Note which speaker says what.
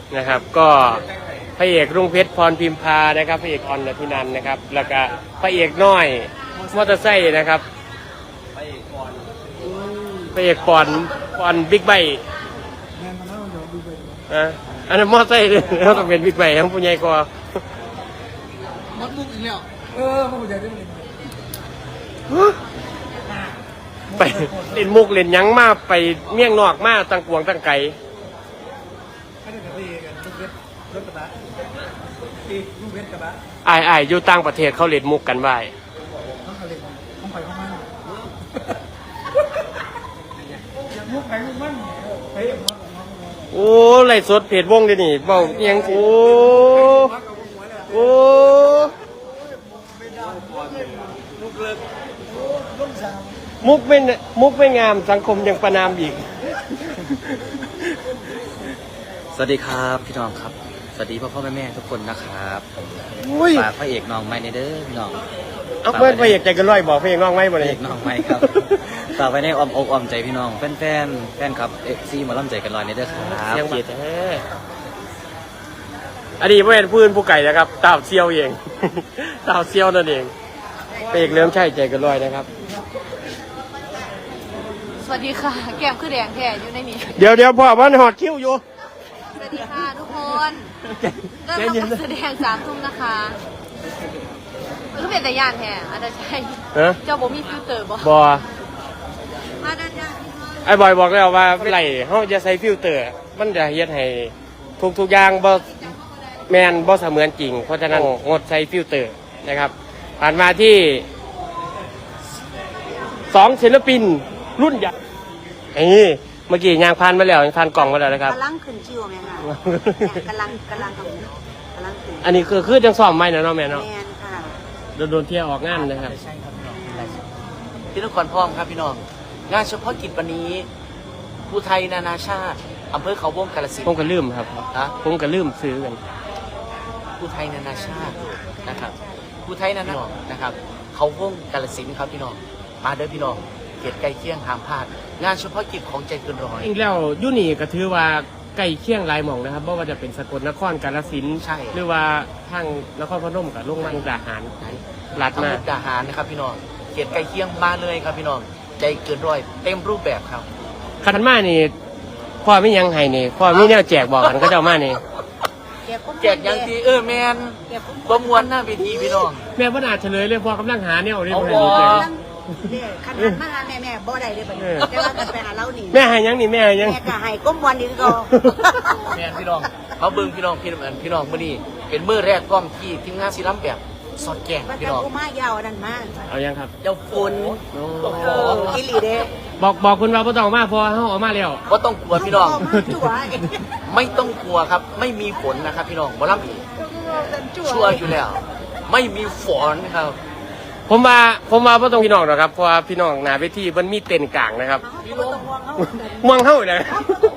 Speaker 1: นะครับ ก็พระเอกรุ่งเพชรพรพิมพานะครับพระเอกออนทินันนะครับแล้วก็พระเอกน้อยมอเตอร์ไซค์นะครับพระเอกปอนบิ๊กไบค์อันนั้นมอเตอร์ไซค์เขาต้องเป็นบิ๊กไบค์ทั้งผู้ใหญ่กว่า
Speaker 2: มัดมุกอีกแล้วมัดมุกใหญ่ด้วย
Speaker 1: ไปเล่นมุกเล่นยังมาไปเมี่ยงนอกมาตั้งกวงตั้งไก่ไอ้อยู่ต่างประเทศเขาเล่นมุกกันไว้โอ้ไล่สดเพจวงเดี๋ยวนี้เบาเอียงโอ้มุกไม่งามสังคมยังประนามอีก
Speaker 3: สวัสดีครับพี่น้องครับสวัสดีพ่อแม่ทุกคนนะครับฝากพระเอกน้องไม้ในเด้อพี่น้อง
Speaker 1: เอาเพื่อนพระเอกใจกันร้อยบอกพระเอกน้องไม้บ่เลย
Speaker 3: พระเอกน้องไม้ครับฝากไว้ในอ้อมอกอ้อมใจพี่น้องแฟนครับซีมาล่ำใจกันลอยในเด้อครับ
Speaker 1: เกียรติอดีตผู้เป็นพื้นผู้ไก่นะครับตาวเซียวเองตาวเซียวนั่นเองพระเอกเริ่มใช่ใจกันร้อยนะครับ
Speaker 4: สวัสดีค่ะแก้มคือแดงแท้อยู่ในนี้
Speaker 1: เดี๋ยวพ่อมันหอดคิ้วอยู่
Speaker 4: สวัสดีค่ะทุกคนเริ่มทำการแสดง3 ทุ่มนะคะมันก็เป็นแต่ย่านแท้อาจจะใช่เจ้าบ่มีฟิลเตอร์บ่มาด้านย่าน
Speaker 1: ไอ้บอยบอกแล้วว่าไหลเขาจะใส่ฟิลเตอร์มันจะเฮ็ดให้ทุกอย่างบ่แมนบ่เสมือนจริงเพราะฉะนั้นงดใส่ฟิลเตอร์นะครับผ่านมาที่2ศิลปินรุ่นใหญ่เมื่อกี้ยางพันมาแล้วยางพันกล่องมาแล้วนะครับ
Speaker 4: กำลังขึ้นชิวแม่ค่ะกำลังขึ้น
Speaker 1: อันนี้คือจังซ้อมไหมนะน้องแม่เนาะ
Speaker 4: แม่ค่ะ
Speaker 1: โดนเที่ยวออกงานนะครับ
Speaker 3: ที่นครพนมครับพี่น้องงานเฉพาะกิจวันนี้ภูไทยนานาชาติอำเภอเขาวงกาฬสินธุ์
Speaker 1: ผมก็ลืมครับผมก็ลืมซื้อกัน
Speaker 3: ภูไทยนานาชาตินะครับภูไทยนานานะครับเขาวงกาฬสินธุ์ครับพี่น้องมาเด้อพี่น้องเกียรติใกล้เคียงห้ามพลาดงานเฉพาะกิจของใจเกินร้อย
Speaker 1: อีกแล้วยุนี่ก็ถือว่าใกล้เคียงหลายหม่องนะครับเพราะว่าจะเป็นสกลนครกาฬสินธุ์หรือว่าทางนครพนมกับลงมุกดาหาร
Speaker 3: ลัดมามุกดาหารนะครับพี่น้องเกียรติใกล้เคียงมาเลยครับพี่น้องใจเกินร้อยเต็มรูปแบบครับ
Speaker 1: ขันมานี่พ่อไม่ยังให้นี่พ่อไม่แนวแจกบอกกันก็จะมานี่
Speaker 3: แจกยังทีแมนประมวลหน้าเวทีพี่น้อง
Speaker 1: แม่พ่อนาเฉลยเลยพ่อกำลังหาเนี่ยเอาเรื่อง
Speaker 4: ขันหันมาหาแม่บ่ได้เลยแบบนี้แต่ว่ากันไปหาเราหนี
Speaker 1: แม่ให้ยังนี่แม่ให้ยัง
Speaker 4: แม่ก็ให้ก้มวันนี้ก็
Speaker 3: แม่พี่น้องเขาเบิ้งพี่น้องพี่น้องเมื่อนี้เป็นมื้อแรกพร้อมที่ทีมงานศิลป์แบบสอดแกงพี่น้อง
Speaker 4: มายาวนั่นมาก
Speaker 1: เอายังครับ
Speaker 3: เจ้าฝุ่น
Speaker 4: กิลีเด้
Speaker 1: บอกคุณว่าพ่อต้องมาพอเขาออกมาแล้ว
Speaker 3: พ่ต้องกลัวพี่น้องไม่ต้องกลัวครับไม่มีฝนนะครับพี่น้องบ่รับชัวร์อยู่แล้วไม่มีฝนครับ
Speaker 1: ผมว่าพ่ต้องพี่น้องนะครับเพราะว่าพี่น้องหน้าเวทีมันมีเต็นท์กลางนะครับม่วงเข้าเลย